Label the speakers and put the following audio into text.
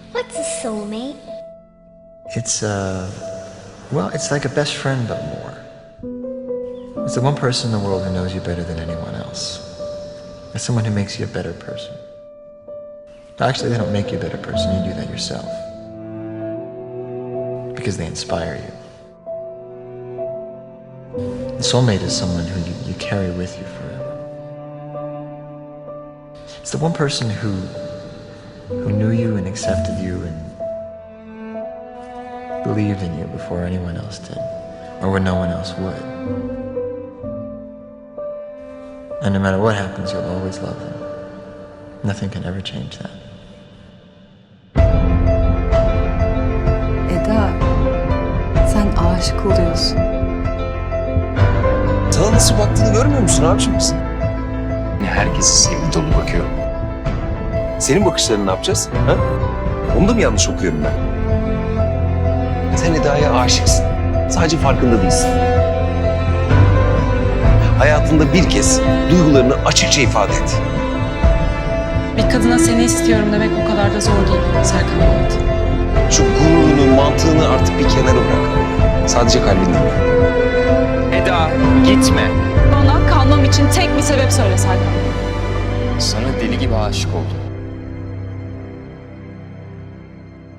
Speaker 1: What's a soulmate?
Speaker 2: It's like a best friend, but more. It's the one person in the world who knows you better than anyone else. It's someone who makes you a better person. Actually, they don't make you a better person, you do that yourself. Because they inspire you. The soulmate is someone who you carry with you forever. It's the one person who knew you and accepted you and believed in you before anyone else did, or when no one else would. And no matter what happens, you'll always love them. Nothing can ever change that.
Speaker 3: Eda, sen aşık oluyorsun.
Speaker 4: Sana nasıl baktığını görmüyor musun abiciğim sen?
Speaker 5: Herkesi sevgi dolu bakıyor.
Speaker 4: Senin bakışlarını ne yapacağız? Ha? Onu da mı yanlış okuyorum ben? Sen Eda'ya aşıksın. Sadece farkında değilsin. Hayatında bir kez duygularını açıkça ifade et.
Speaker 6: Bir kadına seni istiyorum demek o kadar da zor değil Serkan Polat.
Speaker 4: Şu gururunu, mantığını artık bir kenara bırak. Sadece kalbinden bırak.
Speaker 5: Eda gitme.
Speaker 6: Bana kalmam için tek bir sebep söyle Serkan.
Speaker 5: Sana deli gibi aşık oldum.